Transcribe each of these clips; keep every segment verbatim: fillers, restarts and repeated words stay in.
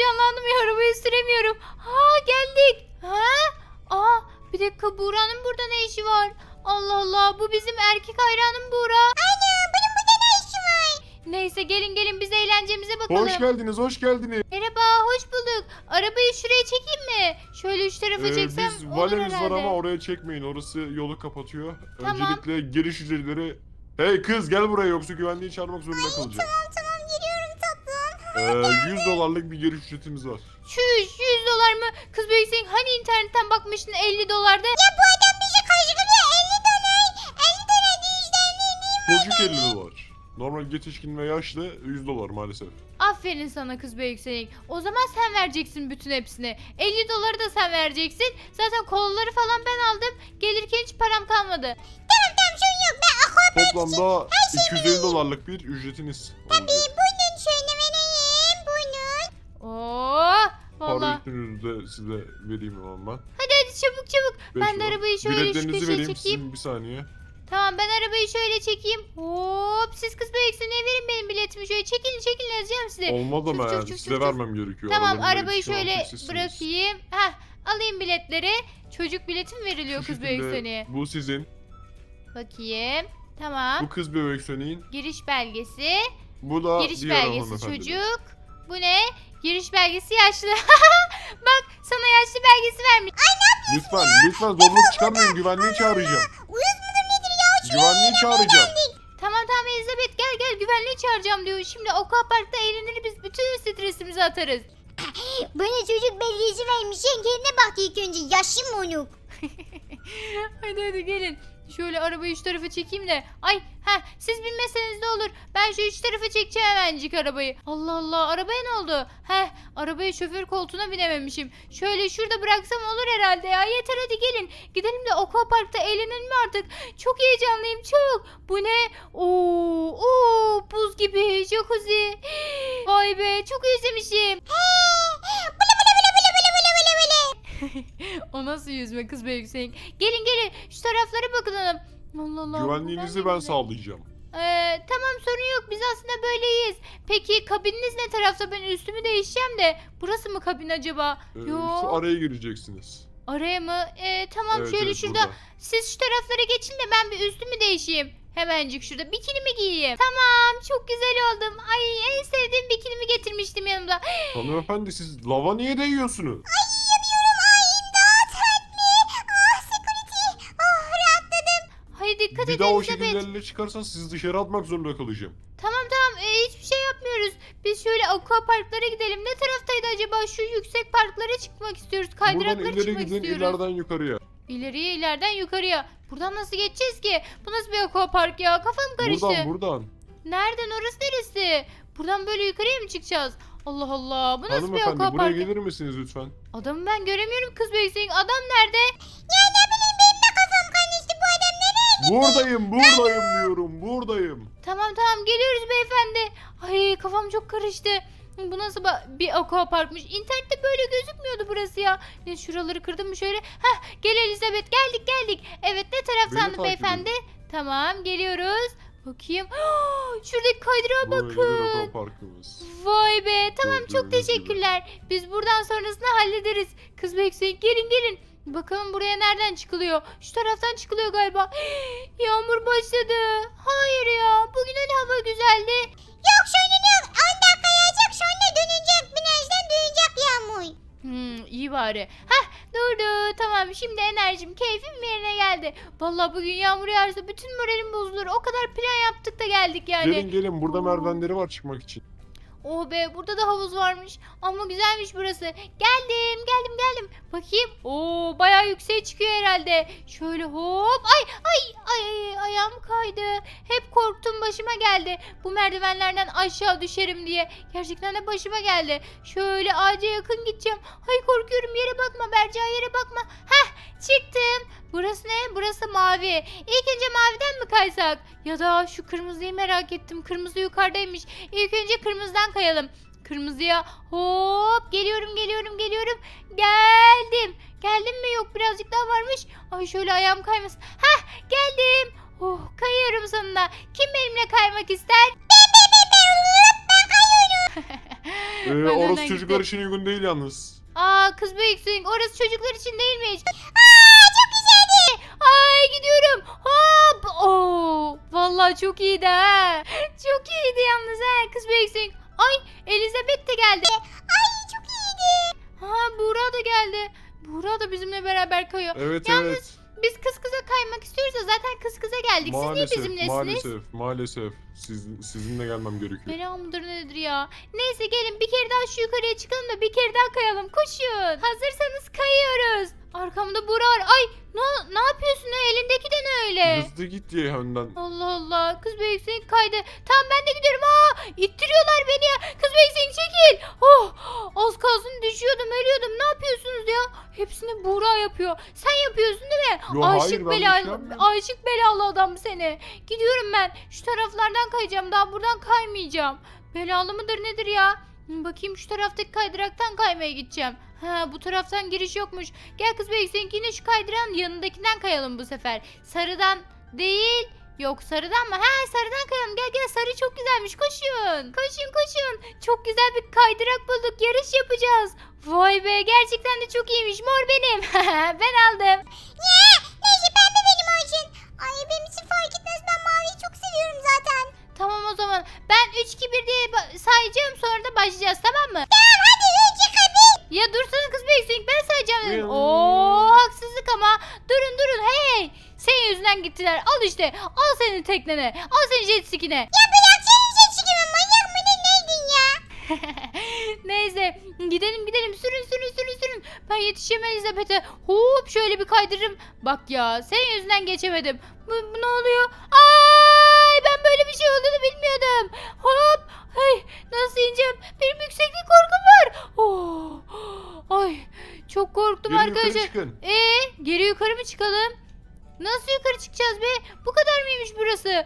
heyecanlandım ya, arabayı süremiyorum. Ha, geldik. Ha? Aa, bir dakika, Buğra'nın burada ne işi var? Allah Allah, bu bizim erkek hayranım Buğra. Ana bunun burada ne işi var? Neyse, gelin gelin biz eğlencemize bakalım. Hoş geldiniz, hoş geldiniz. Merhaba, hoş bulduk. Arabayı şuraya çekeyim mi? Şöyle üç tarafa Ee, çeksem biz olur valemiz herhalde. var ama oraya çekmeyin. Orası yolu kapatıyor. Tamam. Öncelikle giriş ücretleri... Hey kız gel buraya yoksa güvenliği çağırmak zorunda kalacağım. Tamam tamam geliyorum tatlım. Ee, yüz dolarlık bir giriş ücretimiz var. Çüş, yüz dolar mı? Kız büyüksün, hani internetten bakmıştın elli dolarda? Ya bu adam bizi kaşıklıyor elli dolar. elli dolar yüzden ne Çocuk elli dolar. Normal yetişkin ve yaşlı yüz dolar maalesef. Aferin sana kız büyüksün. O zaman sen vereceksin bütün hepsini. elli doları da sen vereceksin. Zaten kolaları falan ben aldım. Gelirken hiç param kalmadı. Tamam tamam sorun yok ben aquapark için. Toplamda iki yüz elli dolarlık bir ücretiniz olacak. Buyurun şöyle vereyim buyurun. Oo, Para vallahi. üstünüzü de size vereyim o zaman. Hadi hadi çabuk çabuk. Beş Ben de dolar. arabayı şöyle şu Biletlerinizi köşeye vereyim çekeyim. sizin bir saniye. Tamam, ben arabayı şöyle çekeyim. Hop, siz kız büyüksün, verin benim biletimi şöyle. Çekilin çekilin, yazacağım size. Olmaz ama Çuf, yani çuf, çuf, size çuf, çuf. vermem gerekiyor. Tamam, Arabanın arabayı vergisi olan şöyle tek sizsiniz. bırakayım. Heh, alayım biletleri. Çocuk bileti mi veriliyor Şu kız şekilde büyüksene? bu sizin. Bakayım. Tamam. Bu kız bebek Sönü'nün. Giriş belgesi. Bu da Giriş diğer belgesi hanımefendinin. çocuk. Bu ne? Giriş belgesi yaşlı. Bak, sana yaşlı belgesi vermiş. Lütfen lütfen zorluk çıkarmayın, güvenliği çağıracağım. Uyuz mudur nedir ya? Güvenliği çağıracağım. Tamam tamam Elizabeth, gel gel, güvenliği çağıracağım diyor. Şimdi aquaparkta eğlenir, biz bütün stresimizi atarız. Bana çocuk belgesi vermiş. Sen kendine bak ilk önce. Yaşım monuk. Hadi hadi gelin. Şöyle arabayı üç tarafa çekeyim de. Ay, ha, siz binmeseniz de olur. Ben şu üç tarafa çekeceğim hemencik arabayı. Allah Allah, arabaya ne oldu? Heh, arabaya şoför koltuğuna binememişim. Şöyle şurada bıraksam olur herhalde ya. Yeter, hadi gelin. Gidelim de aquaparkta eğlenelim artık. Çok heyecanlıyım, çok. Bu ne? Oo, oo, buz gibi jacuzzi. Vay be, çok özlemişim. Bılı bılı bılı bılı bılı bılı bılı bılı. O nasıl yüzme kız be Hüseyin? Gelin gelin, şu taraflara bakalım. Allah Allah. Güvenliğinizi ben sağlayacağım. Ee, tamam, sorun yok, biz aslında böyleyiz. Peki kabininiz ne tarafta? Ben üstümü değişeceğim de. Burası mı kabin acaba? Ee, Yo. şu araya gireceksiniz. Araya mı? Ee, tamam, Evet, şöyle evet, şurada. burada. Siz şu taraflara geçin de ben bir üstümü değişeyim. Hemencik şurada bikinimi giyeyim. Tamam, çok güzel oldum. Ay, en sevdiğim bikinimi getirmiştim yanımda. Hanımefendi siz lava niye değiyorsunuz? Hay dikkat Bir edin daha o Elizabeth. şekilde elle çıkarsan sizi dışarı atmak zorunda kalacağım. Tamam tamam, e, hiçbir şey yapmıyoruz. Biz şöyle aqua parklara gidelim. Ne taraftaydı acaba? Şu yüksek parklara çıkmak istiyoruz. Buradan Kaydıraklara ileri çıkmak gidin, istiyoruz. ileriden yukarıya. İleriye, ileriden yukarıya. Buradan nasıl geçeceğiz ki? Bu nasıl bir aqua park ya? Kafam karıştı. Buradan buradan. Nereden, orası neresi? Buradan böyle yukarıya mı çıkacağız? Allah Allah, bu nasıl bir Hanımefendi aqua buraya park? gelir misiniz lütfen? Adamı ben göremiyorum kız beysin. Adam nerede? Ya ne bileyim benim de kafam karıştı. Bu adam nereye? Buradayım buradayım diyorum buradayım. Tamam tamam, geliyoruz beyefendi. Ay, kafam çok karıştı. Bu nasıl ba- bir aqua parkmış? İnternette böyle gözükmüyordu burası ya. Ne, şuraları kırdım mı şöyle? Heh, gel Elizabeth, geldik geldik. Evet, ne taraf Beni sandı takip beyefendi? Tamam, geliyoruz. Bakayım. Şuradaki kaydırağa Böyle bir bakın. aqua parkımız. Vay be, tamam, çok Gördüğünüz gibi. teşekkürler. Biz buradan sonrasını hallederiz. Kız bekleyin, gelin gelin. Bakalım buraya nereden çıkılıyor? Şu taraftan çıkılıyor galiba. Yağmur başladı. Hayır ya, bugün hani hava güzeldi. Yok sorun yok. on dakika yağacak sonra dönecek. Birazdan dönecek yağmur. Hmm, iyi bari. Heh, durdu. Tamam, şimdi enerjim, keyfim yerine geldi. Vallahi bugün yağmur yağarsa bütün moralim bozulur. O kadar plan yaptık da geldik yani. Gelin gelin burada Oo. merdivenleri var çıkmak için. Oh be, burada da havuz varmış. Ama güzelmiş burası. Geldim geldim geldim. Bakayım. Oo, bayağı yükseğe çıkıyor herhalde. Şöyle hop. Ay ay ay ay, ayağım kaydı. Hep korktum, başıma geldi. Bu merdivenlerden aşağı düşerim diye. Gerçekten de başıma geldi. Şöyle ağaca yakın gideceğim. Ay, korkuyorum, yere bakma Berca, yere bakma. Heh, çıktım. Burası ne? Burası mavi. İlk önce maviden mi kaysak? Ya da şu kırmızıyı merak ettim. Kırmızı yukarıdaymış. İlk önce kırmızıdan kayalım. Kırmızıya hop, geliyorum geliyorum geliyorum. Geldim. Geldim mi? Yok, birazcık daha varmış. Ay, şöyle ayağım kaymasın. Hah, geldim. Oh, kayıyorum sonunda. Kim benimle kaymak ister? Ben ben ben ben. Ben kayıyorum. Ee, Ben orası önden çocuklar gittim. için uygun değil yalnız. Aa kız büyüksün. Orası çocuklar için değilmiş. Aa, çok güzeldi. Ay gidiyorum. Hop. Oo. Vallahi çok iyiydi ha. Çok iyiydi yalnız ha. Kız büyüksün. Ay Elizabeth de geldi. Ay çok iyiydi. Ha Buğra da geldi. Buğra da bizimle beraber kayıyor. Evet Yalnız evet. biz kız kıza kaymak istiyoruz da zaten kız kıza geldik. Siz niye Maalesef bizimlesiniz? maalesef maalesef. Siz, sizinle gelmem gerekiyor. Bela mıdır nedir ya? Neyse gelin bir kere daha şu yukarıya çıkalım da bir kere daha kayalım. Koşun. Hazırsanız kayıyoruz. Arkamda Buğra var. Ay ne, ne yapıyorsun ya? Elindeki de ne öyle? Hızlı git diye önden. Allah Allah. Kız büyüksün kaydı. Tamam ben de gidiyorum. Aa, ittiriyorlar beni ya. Kız büyüksün çekil. Oh, az kalsın düşüyordum ölüyordum. Ne yapıyorsunuz ya? Hepsini Buğra yapıyor. Sen yapıyorsun değil mi? Yo, hayır, Aşık ben bir şey belalı, yapmıyorum. aşık belalı adam seni. Gidiyorum ben. Şu taraflardan kayacağım. Daha buradan kaymayacağım. Belalı mıdır nedir ya? Hı, bakayım şu taraftaki kaydıraktan kaymaya gideceğim. Ha bu taraftan giriş yokmuş. Gel kız bey seninki yine şu kaydıran yanındakinden kayalım bu sefer. Sarıdan değil. Yok sarıdan mı? Ha sarıdan kayalım. Gel gel sarı çok güzelmiş. Koşun. Koşun koşun. Çok güzel bir kaydırak bulduk. Yarış yapacağız. Vay be gerçekten de çok iyiymiş. Mor benim. Ben aldım. Ya neyse pembe benim olsun. Ay benim için fark etmez, ben maviyi çok seviyorum zaten. Tamam o zaman. Ben üç iki bir diye ba- sayacağım sonra da başlayacağız tamam mı? Tamam hadi önce kapı. Ya dursana kız bekleyin ben sayacağım dedim. Buyurun. Oo haksızlık ama. Durun durun hey. Senin yüzünden gittiler. Al işte. Al senin teknene. Al senin jet ski'ne. Ya bırak senin için çıkımı, manyak mı ne neydin ya? Neyse gidelim gidelim sürün sürün sürün sürün. Ben yetişemem Elizabeth'e. Hop şöyle bir kaydırırım. Bak ya senin yüzünden geçemedim. Bu, bu ne oluyor? Ay ben böyle bir şey olduğunu bilmiyordum. Hop. Ay nasıl ineceğim? Benim yükseklik korkum var. Oh. Ay çok korktum Gelin yukarı arkadaşlar. çıkın. Ee, geri yukarı mı çıkalım? Nasıl yukarı çıkacağız be? Bu kadar mıymış burası?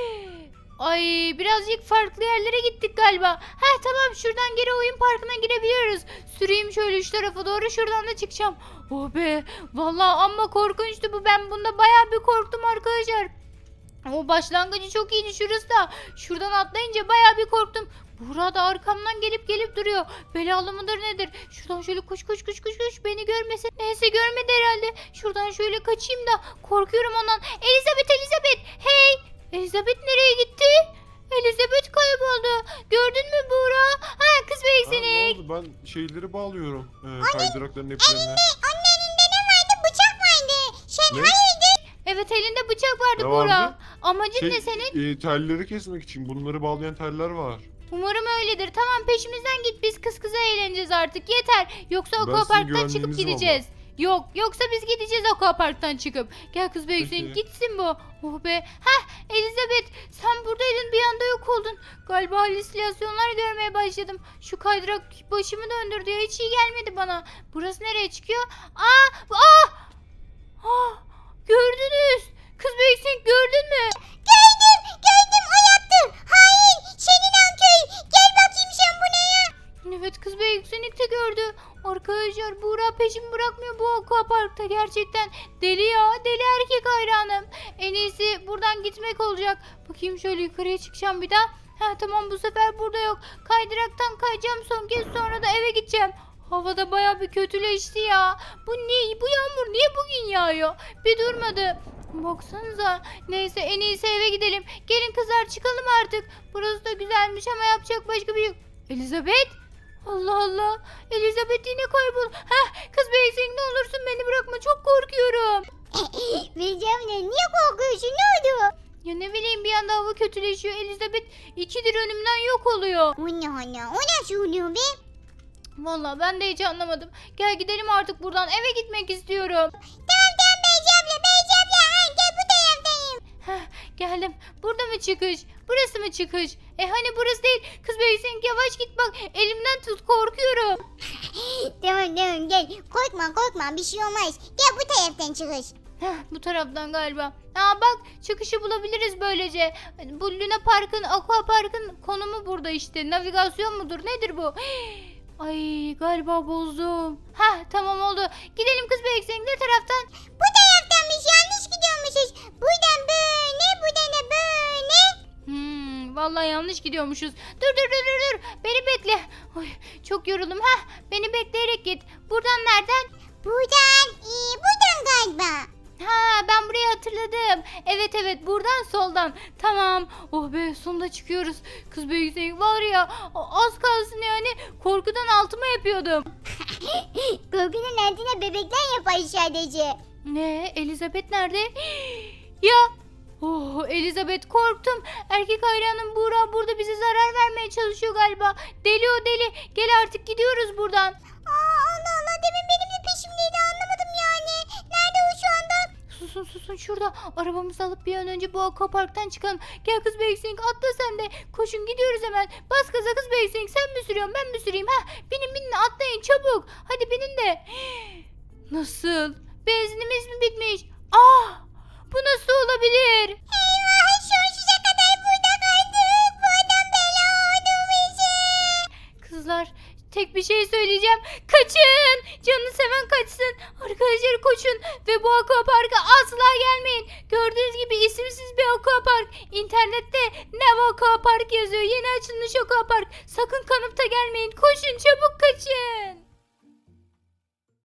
Ay birazcık farklı yerlere gittik galiba. Ha tamam şuradan geri oyun parkına girebiliyoruz. Süreyim şöyle şu tarafa doğru şuradan da çıkacağım. Oh be vallahi amma korkunçtu bu. Ben bunda bayağı bir korktum arkadaşlar. O başlangıcı çok iyiydi şurası da. Şuradan atlayınca bayağı bir korktum. Buğra da arkamdan gelip gelip duruyor. Belalı mıdır nedir? Şuradan şöyle koş koş koş koş koş. Beni görmesin. Neyse görmedi herhalde. Şuradan şöyle kaçayım da. Korkuyorum ondan. Elizabeth Elizabeth. Hey. Elizabeth nereye gitti? Elizabeth kayboldu. Gördün mü Buğra? Ha kız bey Ha, ne seni. oldu? Ben şeyleri bağlıyorum. Ee, kaydırakların hepsine. Anne elinde ne vardı? Bıçak vardı. Sen Ne? hayırdır? Evet elinde bıçak vardı Ne Buğra. vardı? Amacın Şey, ne senin? e, telleri kesmek için bunları bağlayan teller var. Umarım öyledir. Tamam peşimizden git. Biz kız kıza eğleneceğiz artık. Yeter. Yoksa Ben sizin aquaparktan çıkıp güvenliğinizim gideceğiz. Yok yoksa biz gideceğiz aquaparktan çıkıp. Gel kız be Hüseyin Peki. gitsin bu. Oh be. Heh Elizabeth sen buradaydın bir anda yok oldun. Galiba halüsinasyonlar görmeye başladım. Şu kaydırak başımı döndürdü ya hiç iyi gelmedi bana. Burası nereye çıkıyor? Aa! Aa! Ah! Gördünüz. Kız be Hüseyin gördün mü? Gördüm gördüm, o yaptı. Hain senin anköy. Gel bakayım sen buraya. Evet kız be Hüseyin de gördü. Arkadaşlar Buğra peşimi bırakmıyor bu aquaparkta gerçekten. Deli ya deli erkek hayranım. En iyisi buradan gitmek olacak. Bakayım şöyle yukarıya çıkacağım bir daha. Ha tamam bu sefer burada yok. Kaydıraktan kayacağım son kez sonra da eve gideceğim. Havada baya bir kötüleşti ya. Bu ne? Bu yağmur niye bugün yağıyor? Bir durmadı. Baksanıza. Neyse en iyisi eve gidelim. Gelin kızlar çıkalım artık. Burası da güzelmiş ama yapacak başka bir şey yok. Elizabeth? Allah Allah. Elizabeth yine kaybol. Heh kız beysin ne olursun beni bırakma çok korkuyorum. Bileceğim ne? Niye korkuyorsun? Ne oldu? Ya ne bileyim bir anda hava kötüleşiyor. Elizabeth ikidir önümden yok oluyor. O ne ana? O nasıl oluyor be? Vallahi ben de hiç anlamadım. Gel gidelim artık buradan eve gitmek istiyorum. Tamam tamam Beyci abla, Beyci abla. Ha, gel bu taraftayım. Heh, geldim. Burada mı çıkış? Burası mı çıkış? E hani burası değil. Kız beysin yavaş git bak. Elimden tut korkuyorum. Tamam tamam gel. Korkma korkma, bir şey olmaz. Gel bu taraftan çıkış. Heh, bu taraftan galiba. Aa bak çıkışı bulabiliriz böylece. Bu Luna Park'ın, Aqua Park'ın konumu burada işte. Navigasyon mudur nedir bu? Ay galiba bozdum. Heh tamam oldu. Gidelim kız beysin ne taraftan? Bu taraftanmış, yanlış gidiyormuşuz. Buradan böyle, buradan da böyle. Hmm, vallahi yanlış gidiyormuşuz. Dur dur dur dur dur. Beni bekle. Ay, çok yoruldum. Heh, beni bekleyerek git. Buradan nereden? Buradan, ee, buradan galiba. Ha, ben burayı hatırladım. Evet evet, buradan soldan. Tamam. Oh be, sonunda çıkıyoruz. Kız Beyzing var ya, az kalsın yani korkudan altıma yapıyordum. Korkunun altına bebekler yapar sadece. Ne? Elizabeth nerede? Ya. Oh, Elizabeth, korktum. Erkek hayranım Buğra burada bize zarar vermeye çalışıyor galiba. Deli o deli. Gel artık gidiyoruz buradan. Aa, Allah Allah, demin benim de peşimdeydi, anlamadım yani. Nerede o şu anda? Susun susun, şurada. Arabamızı alıp bir an önce bu aquaparktan çıkalım. Gel kız Beyzing, atla sen de. Koşun, gidiyoruz hemen. Bas gaza kız Beyzing, sen mi sürüyorsun ben mi süreyim? Heh, binin binin, atlayın çabuk. Hadi binin de. Nasıl? Benzinimiz mi bitmiş? Ah! Bu nasıl olabilir? Eyvah, sonsuza kadar burada kaldık. Bu adam bela oldu bize. Kızlar, tek bir şey söyleyeceğim. Kaçın! Canını seven kaçsın. Arkadaşlar koşun ve bu aquaparka asla gelmeyin. Gördüğünüz gibi isimsiz bir aquapark. İnternette Nev Aquapark yazıyor. Yeni açılmış aquapark. Sakın kanıp da gelmeyin. Koşun, çabuk kaçın.